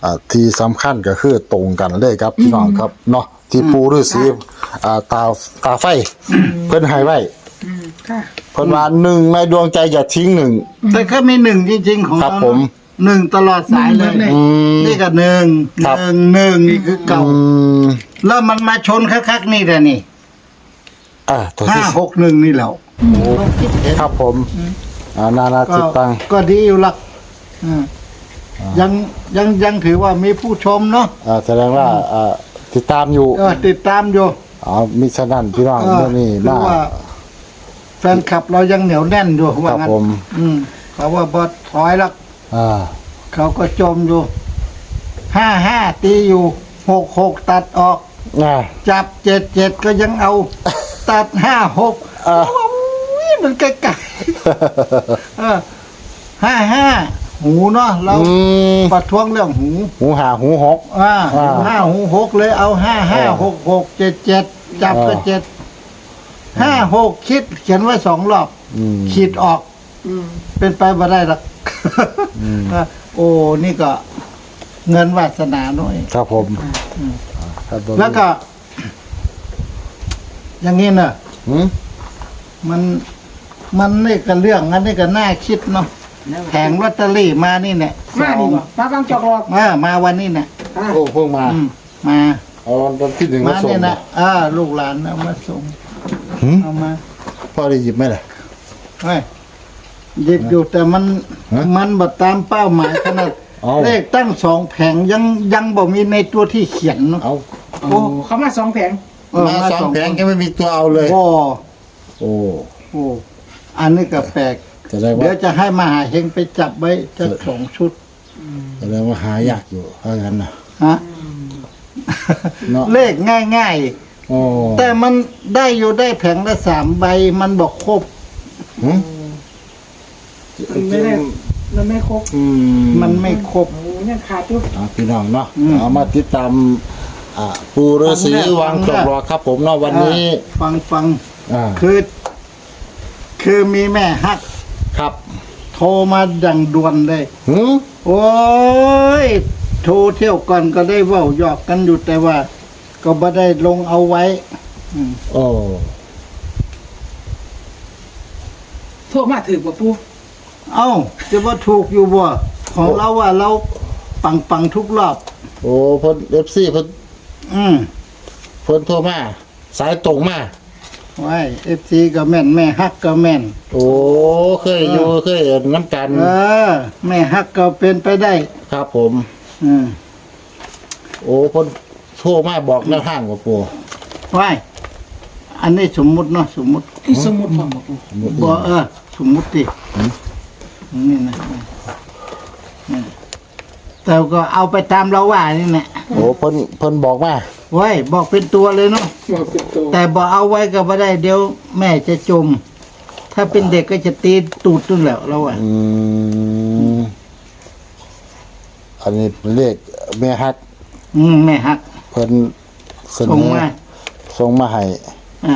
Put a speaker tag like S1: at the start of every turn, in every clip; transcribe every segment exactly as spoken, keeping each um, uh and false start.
S1: อ่าที่สำคัญก็คือตรงกันเลยครับพี่น้องครับเนาะที่ปูฤาษีอ่าตาตาไฟเพิ่นให้ไว้
S2: ค่ะ
S1: เพิ่นว่าหนึ่งในดวงใจอย่าทิ้งหนึ่ง
S3: แต่ก็มีหนึ่งจริงๆของ
S1: ครับ
S3: เรา
S1: ผม
S3: หนึ่งตลอดสายเลย
S1: อืม
S3: นี่ก็หนึ่ง
S1: ครับ
S3: หนึ่งหนึ่งนี่คือเก่า
S1: อืม
S3: แล้วมันมาชนคักๆนี่แหละนี่
S1: อ่าตัว
S3: ห้า
S1: ที่
S3: หกหนึ่งนี่แหละต้องคิดเห็น
S1: ครับผมอ่านานา
S3: ก็
S1: จิตตัง
S3: ก็ดีอยู่หลักอืมยังยังยังถือว่ามีผู้ชมเนาะ
S1: อ่าแสดงว่าอ่าติดตามอยู่
S3: เออติดตามอยู่
S1: อ๋อมิฉะนั้นพี่น้อง
S3: เออ
S1: เมื่อนี้
S3: คือ
S1: มา
S3: ว่า แฟนคลับเรายังเหนียวแน่นอยู่ว่า
S1: ครับ
S3: งั้น
S1: ผม
S3: อืมเขาว่าบอสถอยแล้ว
S1: อ่า
S3: เขาก็จมอยู่ห้าห้าตีอยู่หกหกตัดออก
S1: อ่า
S3: จับเจ็ดเจ็ดก็ยังเอา ตัดห้าหก
S1: อ่า
S3: มันไกลๆเออห้าห้าหูเนาะเรา
S1: อืม
S3: ประท้วงเรื่องหู
S1: หูหาหูหก
S3: อ่า
S1: อ่า
S3: ห้าหูหกเลยเอาห้าห้าหกหกเจ็ดเจ็ดจับก็
S1: อ่า
S3: เจ็ดห้าหกคิด เขียนไว้สองรอบ
S1: อืม
S3: ขีดออก
S2: อืม
S3: เป็นไปบ่ได้หรอก อ่ะโอ้นี่ก็ เงินวาสนาหน่อย
S1: ครับผมครับผม
S3: แล้วก็ อย่างนี้เนอะ
S1: หืม
S3: มันมันนี่ก็เรื่องอันนี้ก็น่าคิดเนาะแผงลอตเตอรี่มานี่เนี่ยส
S2: มา
S3: อ
S2: ดี
S3: ง
S2: กว่าป้าฟังจอกหลอก
S3: มามาวันนี้เนี่ย
S2: อ่ะ
S1: โอ้เพิ่งมา
S3: อืมมา
S1: เอาตอนที่หนึ่ง
S3: มา
S1: มาส่ง
S3: เนี่ยนะอ่าลูกหลานเอามาส่ง
S1: หืม
S3: เอามา
S1: พ่อได้หยิบไหมล่ะ
S3: เฮ้ยหยิบอยู่แต่มัน
S1: ฮะ
S3: มันบัดตามเป้าหมายขนาด
S1: เอา
S3: เลขตั้งสองแผงยังยังบ่มีในตัวที่เขียนเนาะ
S1: เอา
S2: โอ้เขามาสองแผง
S3: เออ
S1: มาสองแผงก็ไม่มีตัวเอาเลย
S3: โอ้
S1: โอ้
S3: โอ้อันนี้ก็แปลก
S1: แสดง
S3: เดี๋ยว
S1: ว่า
S3: จะให้มหาเฮงไปจับไว้จะสองชุด
S1: แสดงว่าหายากอยู่ถ้างั้นนะ
S3: ฮะ
S1: เนาะ
S3: เลขง่าย
S1: โอ้
S3: ๆ แต่มันได้อยู่ได้แผงละสามใบ มันบอกครบ
S1: หืม
S2: มันไม่ได้มันไม่ครบ
S1: อืม
S3: มันไม่ครบ
S2: โอ้ยังขาดอยู่
S1: อ่าพี่น้องเนาะ
S3: อืม
S1: เอามาติดตามอ่าปูฤาษี
S3: ฟังเนี่ย
S1: วาง
S3: ฟัง
S1: จ
S3: เนี่ย
S1: บรอครับผมเนาะวันนี้
S3: ฟังฟัง
S1: อ่า
S3: คือ คือมีแม่ฮัก
S1: ครับ
S3: โทรมาดังด่วนเลย
S1: หืม
S3: โอ้ย โทรเที่ยวก่อนก็ได้เว่าหยอกกันอยู่แต่ว่า ก็ไม่ได้ลงเอาไว้ อืม
S1: โอ้
S2: โทรมาถือกว่าปู
S3: เอ้า จะว่าถูกอยู่บ่ของเราว่าเราปังปังๆทุกรอบ
S1: โอ้เพิ่นเอฟซีเพิ่น
S3: อืม
S1: เพิ่นโทรมาสายตรงมา
S3: ไว้เอฟซีก็แม่น แม่ฮักก็แม่น
S1: โอ้เคยอยู่เคยเห็นน้ำกัน
S3: เออ แม่ฮักก็เป็นไปได้
S1: ครับผม
S3: อืม
S1: โอ้เพิ่นโทรมาบอกแนวทางว่าปู
S3: ไว้อันนี้สมมุติเนาะสมมุติ
S2: ที่สมุดของปู
S3: บ่เออ สมมุติดินี่นะนี่แต่ก็เอาไปตามเราว่านี่แหละ
S1: โอ้เพิ่นเพิ่นบอกมา
S3: ไว้บอกเป็นตัวเลยเนาะ
S2: บอกเป็นตัว
S3: แต่บอกเอาไว้ก็ไม่ได้เดี๋ยวแม่จะจม ถ้าเป็นเด็กก็จะตีตูดนู่นแหละเราอ่ะ
S1: อืมอันนี้เป็นเลขแม่ฮัก
S3: อืมแม่ฮัก
S1: เพิ่นเสน
S3: ส่ง
S1: อ
S3: มา
S1: ส่งมาให้
S3: อ่า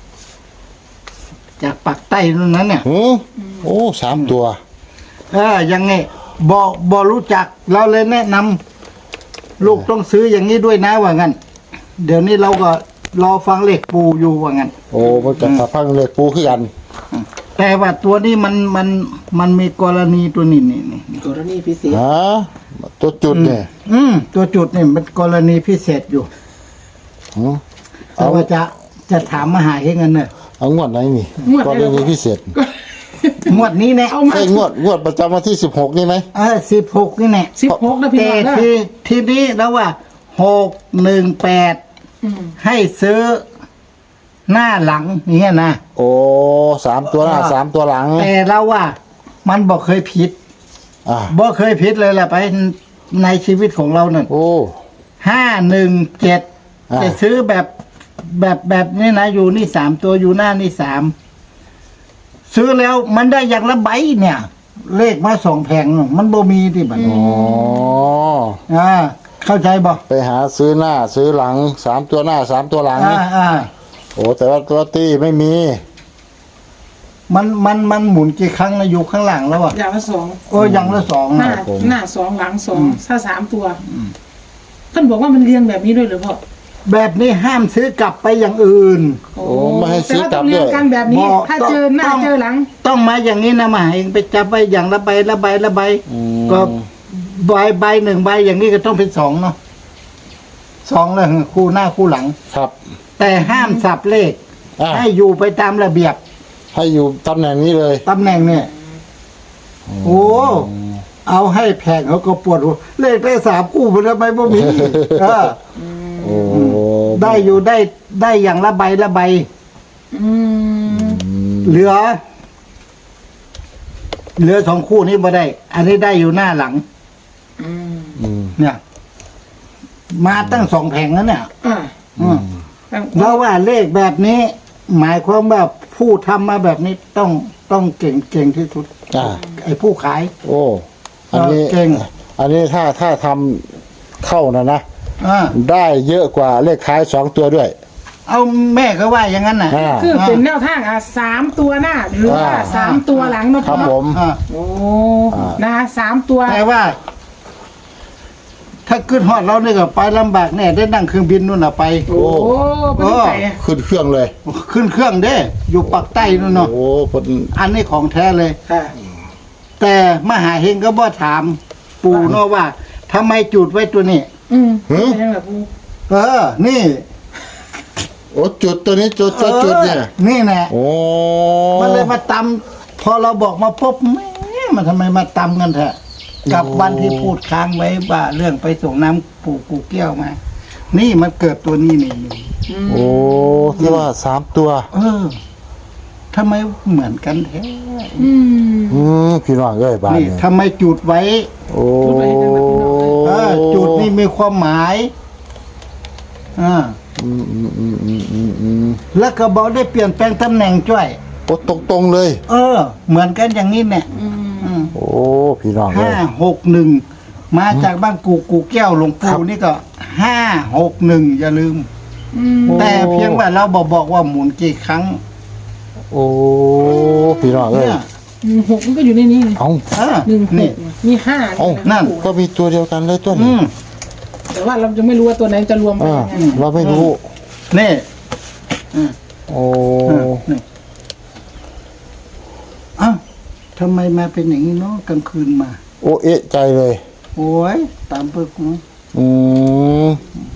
S3: จากปักใต้นู่นนั้นเนี่ย
S1: หือโอ้สามตัว
S3: เออยังไงบอกบอรู้จัก เราเลยแนะนำลูกต้องซื้ออย่างนี้ด้วยนะว่างั้น เดี๋ยวนี้เราก็รอฟังเลขปูอยู่ว่างั้น
S1: โอ้มันจะสะพังเลขปูคือกัน
S3: แต่ว่าตัวนี้มันมันมันมีกรณีตัวนี้นี่นี่
S2: กรณีพิเศษ
S1: ฮะตัวจุดเนี่ย
S3: อืมตัวจุดนี่มันกรณีพิเศษอยู่
S1: หือ
S3: แต่ว่าจะจะถามมหาเฮงกันเนอะ
S1: เอางวดไหนนี่ก็เรื่องนี้พิเศษ
S3: งวดนี้แน่
S2: เอามา
S1: ใช่งวดงวดประจำวันที่สิบหกนี่ไหม
S3: เออสิบหกนี่แน่
S2: สิบหกนะพี่
S3: แต่
S2: น้องนะ
S3: ทีทีนี้แล้วว่าหกหนึ่งแปด
S2: อืม
S3: ให้ซื้อหน้าหลังอย่างเงี้ยนะ
S1: โอ้สามตัวหน้าสามตัวหลัง
S3: แต่เราว่า มันบอกเคยผิด
S1: อ่า
S3: บอกเคยผิดเลยแหละไปในชีวิตของเราเนี่ย
S1: โอ้
S3: ห้าหนึ่งเจ็ด
S1: อ่า
S3: จะซื้อแบบแบบแบบนี้นะอยู่นี่สามตัวอยู่หน้านี่สามซื้อแล้วมันได้อย่างละใบเนี่ย เลขมาสองแผงมันบ่มีที่บัด
S1: อ๋อ
S3: อ่าเข้าใจบ่
S1: ไปหาซื้อหน้าซื้อหลังสามตัวหน้าสามตัวหลัง
S3: อ่าอ่า
S1: โอ้แต่ว่าตัวตี้ไม่มี
S3: มันมันมันหมุนกี่ครั้งนะอยู่ข้างหลังแล้วอ่ะ
S2: อย่างละสอง
S3: โอ้อย่างละสอง
S2: หน้า
S3: นะ
S2: หน้าสองหลังสองถ้าสามตัวท่านบอกว่ามันเรียงแบบนี้ด้วยหรือเปล่า
S3: แบบนี้ห้ามซื้อกลับไปอย่างอื่น
S2: โอ้
S1: ไม่ให้ซื้อกลับ
S2: แต่ว่าต้องเรียง
S1: ด้วย
S2: กันแบบนี้
S3: บอก
S2: ถ้าเจอหน้า
S3: ต้อง
S2: เจอหลัง
S3: ต้องมาอย่างนี้นะมาเองไปจับไปอย่างละใบละใบละใบ
S1: อืม
S3: ก็ใบใบหนึ่งใบอย่างนี้ก็ต้องเป็นสองเนาะสองเลยคู่หน้าคู่หลัง
S1: ครับ
S3: แต่ห้ามสับเลข
S1: อ่า
S3: ให้อยู่ไปตามระเบียบ
S1: ให้อยู่ตำแหน่งนี้เลย
S3: ตำแหน่งเนี่ยโอ้เอาให้แพงเขาก็ปวดหัวเลขได้สามคู่มันทำไมบ่มีเออ
S1: โอ้
S3: ได้อยู่ได้ได้อย่างละใบละใบ
S2: อืม
S3: เหลือ เหลือสองคู่นี้บ่ได้ อันนี้ได้อยู่หน้าหลัง
S2: อืม
S1: อืม
S3: เนี่ย มาตั้งสองแผงแล้วเนี่ย
S2: อ่า
S3: อืมแล้วว่าเลขแบบนี้ หมายความว่าผู้ทำมาแบบนี้ต้องต้องเก่งเก่งที่สุด
S1: อ่า
S3: ไอ้ผู้ขาย
S1: โอ้อันนี้
S3: เก่ง
S1: อันนี้ถ้าถ้าทำเข้านะนะ
S3: อ่า
S1: ได้เยอะกว่าเลขท้ายสองตัวด้วย
S3: เอาแม่ก็ว่าอย่างนั้นน่ะ
S1: อ่า
S2: คือเป็นแนวทางอ่ะสามตัวหน้า หรือว่า
S1: อ่า
S2: สามตัวหลังเนาะ
S1: ครับผม
S3: อ่า
S2: โอ้
S1: อ่า
S2: นะคะสามตัว
S3: แต่ว่า ถ้าขึ้นฮอดเราเนี่ยก็ไปลำบากแน่ได้นั่งเครื่องบินนู่นน่ะไป
S2: โอ้ไม่ได้ใส่อะ
S1: ขึ้นเครื่องเลย
S3: ขึ้นเครื่องเด้ อยู่ปักใต้นู่นเนาะ
S1: โอ้เพิ่น
S3: อันนี้ของแท้เลย
S2: ค่ะ
S3: แต่มหาเฮงก็บ่ถาม ปู่เนาะว่าทำไมจุดไว้ตัวนี้
S2: อืมเป็นยังไงปู
S3: เออ นี่
S1: โอ้จุดตัวนี้จุดจุดจุดเนี่ย
S3: ออนี่แน่
S1: โอ้
S3: มันเลยมาตำพอเราบอกมาพบแม่มันทำไมมาตำกันแท้กับวันที่พูดค้างไว้ว่าเรื่องไปส่งน้ำปู่กูแก้วมา นี่มันเกิดตัวนี้นี่
S1: โอ้ที่ว่าสามตัว
S3: เออทำไมเหมือนกันแท้
S2: อืม
S1: อืมพี่น้องเอ้ยบ้าน
S3: นี่
S1: เนี่ย
S3: ทำไมจุดไว้
S1: โอ้
S2: จุดไว้ให้ทางนั้นพี่น้อง
S3: เออจุดนี่มีความหมายอ่า
S1: อืมอืมอืมอืมอืมอืม
S3: แล้วก็บอกได้เปลี่ยนแปลงตำแหน่งจ้วย
S1: โอ้ตรงตรงๆเลย
S3: เออ เหมือนกันอย่างนี้เนี่ย
S2: อืม
S3: อืม
S1: โอ้พี่น้องเอ้
S3: ห้าย หกหนึ่งมาจากบ้านกูกูแก้วหลวง
S1: ครั
S3: ปู่
S1: บ
S3: นี่ก็ห้าหกหนึ่งอย่าลืม
S2: อืม
S3: แต่เพียงว่าเราบอกบอกว่าหมุนกี่ครั้ง
S1: โอ้พี่น้องเอ้ย
S3: เนี่ย
S2: อืมหกมันก็อยู่ในนี้ไง
S1: เอ้า
S3: เออ
S2: หนึ่งห
S3: นี่
S2: กมีห้า
S1: เอ้า
S3: นั่น
S1: ก็มีตัวเดียวกันเลยตัว
S3: อื
S1: นี้
S3: ม
S2: แต่ว่าเราจะไม่รู้ว่าตัวไหนจะรวมกัน
S1: อ่า
S2: ยังไง
S1: เราไม่รู้
S3: นี่
S1: โอ้
S3: เออนี่เอ้าทำไมมาเป็นอย่างนี้เนาะกลางคืนมา
S1: โอเอะใจเลย
S3: โอ้ยตามเปิกกู
S1: อืม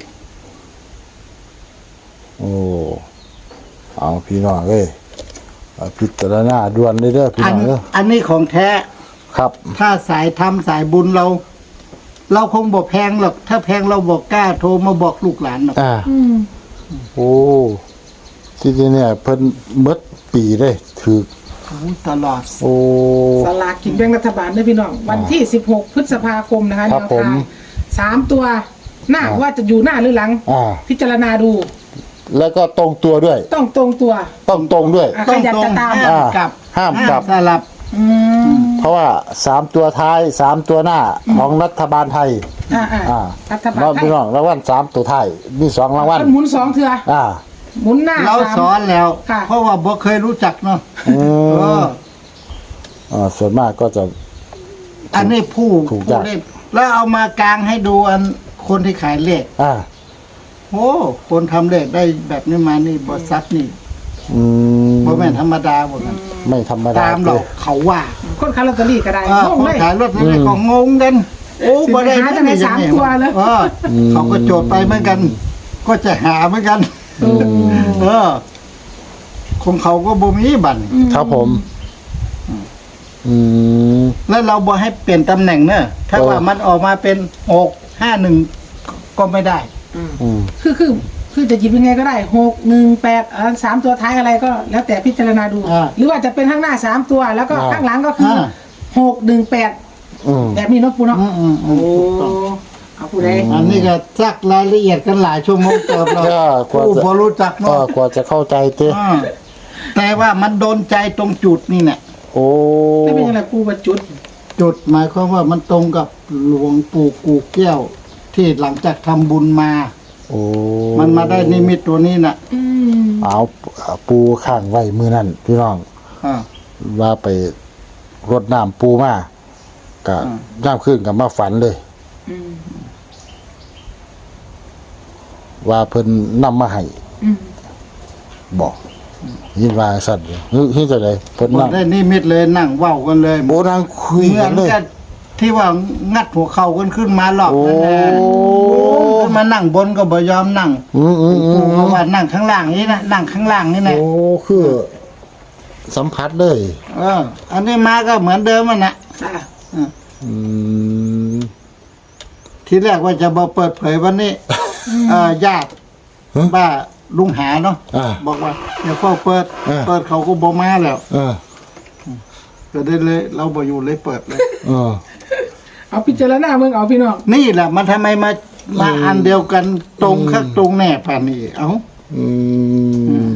S1: โอ้เอาพี่น้องเอ้ยเอาพิจารณาด่วนเลยเด้อพี่
S3: อัน
S1: น้องเด้อ
S3: อันนี้ของแท้
S1: ครับ
S3: ถ้าสายทำสายบุญเรา เราคงบอกแพงหรอก ถ้าแพงเราบอกกล้าโทรมาบอกลูกหลานหรอก
S1: อ่า
S2: อืม
S1: โอ้ที่นี่เนี่ยเพิ่นเบิดปีได้ถือ
S3: โอ้ตลอด
S1: โอ้
S2: สลากกินแบ่งรัฐบาลด้วยพี่น้อง วันที่สิบหกพฤษภาคมนะคะ
S1: ครับ
S2: แนว
S1: ผม
S2: ทางสามตัวหน้าว่าจะอยู่หน้าหรือหลัง
S1: อ่า
S2: พิจารณาดู
S1: แล้วก็ตรงตัวด้วย
S2: ต้องตรงตัว
S1: ต้องตรงด้วย
S2: อ่ะใครอยากจะตาม
S3: ห้ามกลับ
S1: ห้ามกลับ
S3: สลับ
S2: อืม
S1: เพราะว่าสามตัวท้ายสามตัวหน้าของรัฐบาลไทย
S2: อ่าอ่า
S1: อ่า
S2: รัฐบาล
S1: เรา
S2: ไทย
S1: พี่น้องรางวัลสามตัวท้ายมีสองรางวัล
S2: มันหมุนสองเถื่อ
S1: อ่า
S2: หมุนหน้า
S3: เรา
S2: สาม
S3: สอนแล้ว
S2: ค่ะ
S3: เพราะว่าบ่เคยรู้จักเนาะ
S1: อืม
S3: เออ
S1: อ่าส่วนมากก็จะ
S3: อันนี้ผู้
S1: ถูก
S3: ผู้
S1: จ้ะ
S3: เล่นแล้วเอามากลางให้ดูอันคนที่ขายเลข
S1: อ่า
S3: โอ้คนทำเลขได้แบบนี้มานี่บอซัดนี่
S1: อืม
S3: บ่แม่นธรรมดาบ่กัน
S1: ไม่ธรรมดา
S3: ตามหร
S1: เล
S3: อก
S1: ย
S3: เขาว่า
S2: คนขายลอตเตอรี่ก็ได้
S3: เออง
S2: ง
S3: คน
S2: เลย
S3: ขายรถนี่ก็งงกัน โอ้บ่ได้
S2: หาจังไหนสามตัวเลย
S3: เออเขาก็โจทย์ไปเหมือนกัน ก็จะหาเหมือนกัน
S2: โอ้
S3: เออของเขาก็บ่มีบัตร
S1: ครับผม อืม
S3: แล้วเราบ่ให้เปลี่ยนตำแหน่งเนอะถ้า
S1: โอ้
S3: ว่ามันออกมาเป็นหกห้าหนึ่งก็ไม่ได้
S1: อืม
S2: คือคือคือจะหยิบยังไงก็ได้หกหนึ่งแปดอ่าสามตัวท้ายอะไรก็แล้วแต่พิจารณาดู
S3: อ่า
S2: หรือว่าจะเป็นข้างหน้าสามตัว แล้วก็
S1: อ่า
S2: ข้างหลังก็คืออา หกหนึ่งแปด
S1: อืม
S2: แบบนี้เนาะปูเนาะ
S3: อืมอืมอื
S2: โอ้
S3: มถูกต้อง
S2: เอาปูได้
S3: อันนี้ก็ซักรายละเอียดกันหลายชั่วโมงเติบเรา
S1: ก็กว่า
S3: ผู้
S1: จะ
S3: พอรู้จัก
S1: ก็
S3: เนาะ
S1: กว่าจะเข้าใจเต้
S3: อ่าแต่ว่ามันโดนใจตรงจุดนี่เนี่ย
S1: โอ้
S2: ไม่เป็นยังไงปูว่าจุด
S3: จุดหมายความว่ามันตรงกับหลวงปู่กูแก้ว ที่หลังจากทำบุญมา
S1: โอ้
S3: มันมาได้นิมิตตัวนี้น่ะ
S2: อืม
S1: เอาปูข้างไว้มือนั่นพี่น้อง
S3: อ่า
S1: ว่าไปรดน้ำปูมาก็ย่ามขึ้นกับมาฝันเลย
S2: อืม
S1: ว่าเพิ่นนำมาให้
S2: อืม
S1: บอกยินว่าสัตว์เฮ้ยเฮ้ยจะไดเพิ่น
S3: บ่
S1: นั่ง
S3: ได้นิมิตเลยนั่งเว้ากันเลย
S1: โบนางคุย
S3: เหมื
S1: กั
S3: อน น
S1: เลย
S3: กับที่ว่างัดหัวเข่ากันขึ้นมาหลอก
S1: โอ้
S3: นั่นแหละขึ้นมานั่งบนก็บ่ยอมนั่ง
S1: อืมอืมอื
S3: กู
S1: ม
S3: ก็ว่านั่งข้างล่างนี่นะนั่งข้างล่างนี่นะ
S1: โอ้คือสัมผัสเลย
S3: เออ อันนี้มาก็เหมือนเดิมมันนะ
S2: อ่ะ
S1: อืม
S3: ทีแรกว่าจะบ่เปิดเผยวันนี้เอ่อญาติ
S1: ฮะ
S3: บ้าลุงหาเนาะ
S1: อ่า
S3: บอกว่าอย่าเฝ้าเปิด
S1: อ่า
S3: เปิดเขาก็บ่มาแล้ว
S1: เออ
S3: ก็ได้เลย เราบ่อยู่เลยเปิดเลย
S1: เออ
S2: เอาพิจารณาเมืองเอาพี่น้อง
S3: นี่แหละมันทำไมมามาอันเดียวกันตรงคักตรงแน่ป่านนี้เอ้า
S1: อืม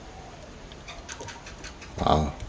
S1: เอา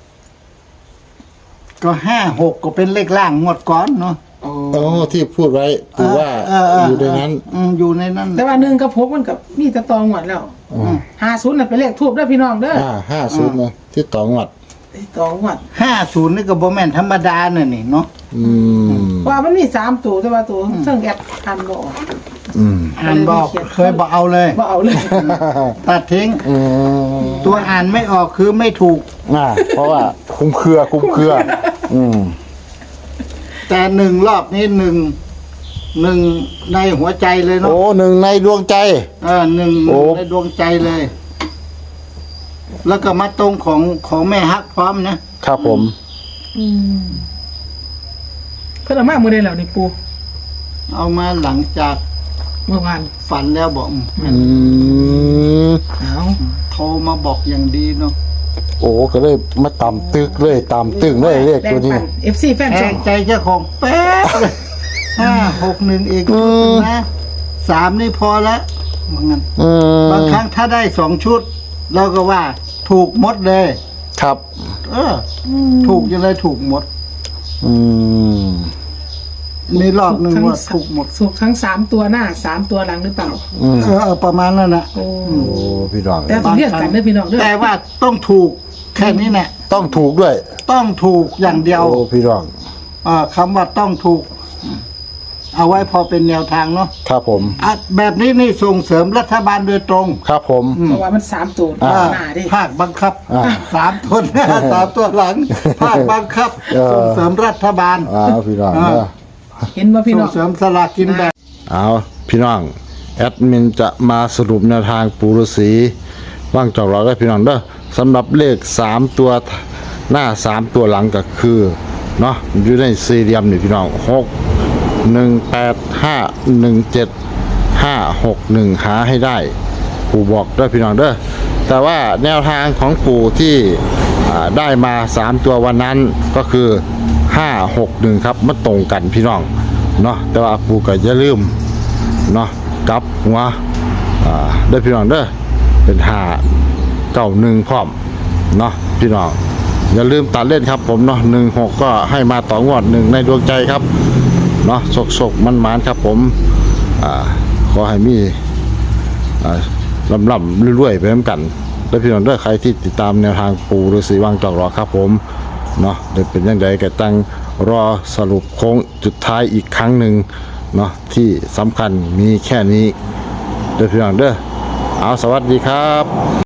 S3: ก็ห้าหกก็เป็นเลขล่างงวดก่อนเนาะ
S2: โอ้
S1: โอ้ที่พูดไว้ปูว่า
S3: เออเออ
S1: อยู่ในนั้น
S3: อืมอยู่ในนั้น
S2: แต่ว่าหนึ่งกับพกมันกับมีแตะตองหวดแล้ว
S1: อืม
S2: ห้าศูนย์น่ะเป็นเลขทูบเด้อพี่น้องเด้อ
S1: อ่าห้าศูนย์นะที่ต่องวัด
S2: ไอ้ตองหวด
S3: ห้าศูนย์นี่ก็บ่แม่นธรรมดาเนี่ยนี่เนาะ
S1: อืม
S2: ว่ามันมีสามตัวแต่ว่าตัวเรื่องแอดอันบ่ออก
S1: อืม
S3: อ่านบอกเคยบอกเอาเลย
S2: บ่เอาเลย
S3: ตัดทิ้ง
S1: อืม
S3: ตัวอ่านไม่ออกคือไม่ถูก
S1: อ่าเพราะว่าคุ้มเครือคุ้มเครือ อืม
S3: แต่หนึ่งรอบนี้หนึ่งหนึ่งในหัวใจเลยเนาะ
S1: โอ้หนึ่งในดวงใจ
S3: เออหนึ่ง
S1: โอ้
S3: ในดวงใจเลย แล้วก็มาตรงของของแม่ฮักพร้อมนะครับ
S1: ผม
S2: อืมเพิ่นเอามามื้อใดแล้วนี่ปู
S3: เอามาหลังจาก
S2: เมื่อวาน
S3: ฝันแล้วบอก
S1: อืม
S2: เอา
S3: โทรมาบอกอย่างดีเนาะ
S1: โอ้ก็เลยมาตำตึกเลยตำตึงเลยเลขตัวนี้
S2: แบ่งปั เอฟ ซี แฟน
S3: แท
S2: ช่อง ง
S3: ใจเจ้าของแป๊บเลยห้าหกหนึ่งอีก
S1: อื
S3: ชุด
S1: ม
S3: นะสามนี่พอแล้วว่างั้น
S1: อืม
S3: บางครั้งถ้าได้สองชุด เราก็ว่า ถูกหมดเลย
S1: ครับ
S3: เอออถูกยังไงถูกหมด
S1: อืม
S3: มีรอบหนึ่งว่าถูกหมด
S2: สุกทั้งสามตัวหน้าสามตัวหลังหรือเปล่า
S1: อืม
S3: เออเออประมาณนั้นนะ
S2: โอ้
S1: โอ้พี่น้อง
S2: แต่ต้องเรียกกันเด้อพี่น้องเด้อ
S3: แต่ว่าต้องถูกแค่นี้แหละ
S1: ต้องถูกด้วย
S3: ต้องถูกอย่างเดียว
S1: โอ้พี่น้อง
S3: เออคำว่าต้องถูก เอาไว้พอเป็นแนวทางเนาะ
S1: ครับผม
S3: อ่ะแบบนี้นี่ส่งเสริมรัฐบาลโดยตรง
S1: ครับผม
S2: เพราะว่ามันสามตัว
S1: อ่า
S2: หน้าดิ
S3: ภาคบังคับ
S1: อ่า
S3: สามตัวหน้าสามตัวหลัง ภาคบังคับ
S1: เออ
S3: ส่งเสริมรัฐบาล
S1: อ่าพี่น้อง
S3: อ่า
S1: เด้อ
S2: เห็นว่าพี่
S3: ส่
S2: น้
S3: ง
S2: อง
S3: เสริมสลากกินแบ่ง
S1: เอาพี่น้องแอดมินจะมาสรุปแนวทางปูฤาษีว่างจอกเราได้พี่น้องเด้อสำหรับเลขสามตัวหน้าสามตัวหลังก็คือเนาะอยู่ในสี่เหลี่ยมนี่พี่น้องหกหนึ่งแปดห้าหนึ่งเจ็ดห้าหกหนึ่งหาให้ได้ ปู่บอกด้วยพี่น้องเด้อแต่ว่าแนวทางของปู่ที่อ่าได้มาสามตัววันนั้นก็คือห้าหกหนึ่งครับมันตรงกันพี่น้องเนาะแต่ว่าปู่ก็อย่าลืมเนาะกลับหัวอ่าได้พี่น้องเด้อเป็นห้าเก้าหนึ่งพร้อมเนาะพี่น้องอย่าลืมตัดเล่นครับผมเนาะหนึ่งหกก็ให้มาต่องวดหนึ่งในดวงใจครับเนาะสกๆมันๆครับผมอ่าขอให้มี อ่าลำลำรวยๆไปเหมือนกันและพี่น้องเด้อใครที่ติดตามแนวทางปูฤาษีวังจอกรอครับผมเนาะเดี๋ยวเป็นยังไงก็ตั้งรอสรุปโค้งจุดท้ายอีกครั้งหนึ่งเนาะที่สำคัญมีแค่นี้เด้อพี่น้องเด้อเอาสวัสดีครับ